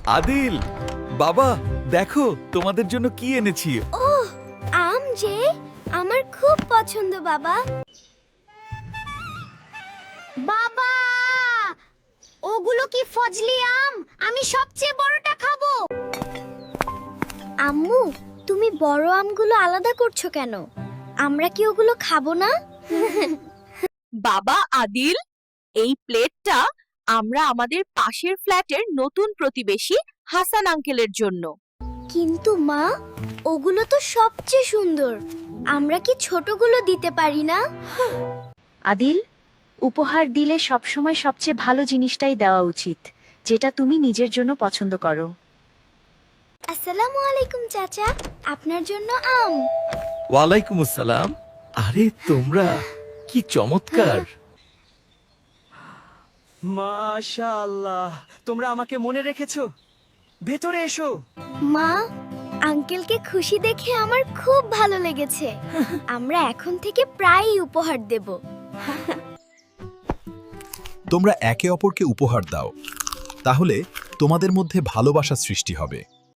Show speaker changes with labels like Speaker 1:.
Speaker 1: আদিল, বাবা দেখো তোমাদের জন্য কি এনেছি।
Speaker 2: ওহ, আম যে আমার খুব পছন্দ বাবা। বাবা, ওগুলো কি ফজলি আম? আমি সবচেয়ে বড়টা খাবো। আম্মু, তুমি বড় আমগুলো আলাদা করছো কেন? আমরা কি ওগুলো খাবো না?
Speaker 3: বাবা আদিল, এই প্লেটটা আমরা আমাদের পাশের ফ্ল্যাটের নতুন প্রতিবেশী হাসান আঙ্কেলের জন্য।
Speaker 2: কিন্তু মা, ওগুলো তো সবচেয়ে সুন্দর। আমরা কি ছোটগুলো দিতে পারি না?
Speaker 4: আদিল, উপহার দিলে সবসময় সবচেয়ে ভালো জিনিসটাই দেওয়া উচিত, যেটা তুমি নিজের জন্য পছন্দ করো।
Speaker 2: আসসালামু আলাইকুম চাচা, আপনার জন্য আম।
Speaker 1: ওয়ালাইকুম আসসালাম। আরে তোমরা কি চমৎকার।
Speaker 5: মাশাআল্লাহ, তোমরা আমাকে মনে রেখেছো। ভেতরে এসো।
Speaker 2: মা, আঙ্কেলকে খুশি দেখে আমার খুব ভালো লেগেছে। আমরা এখন থেকে প্রায়ই উপহার দেব।
Speaker 6: তোমরা একে অপরকে উপহার দাও, তাহলে তোমাদের মধ্যে ভালোবাসা সৃষ্টি হবে।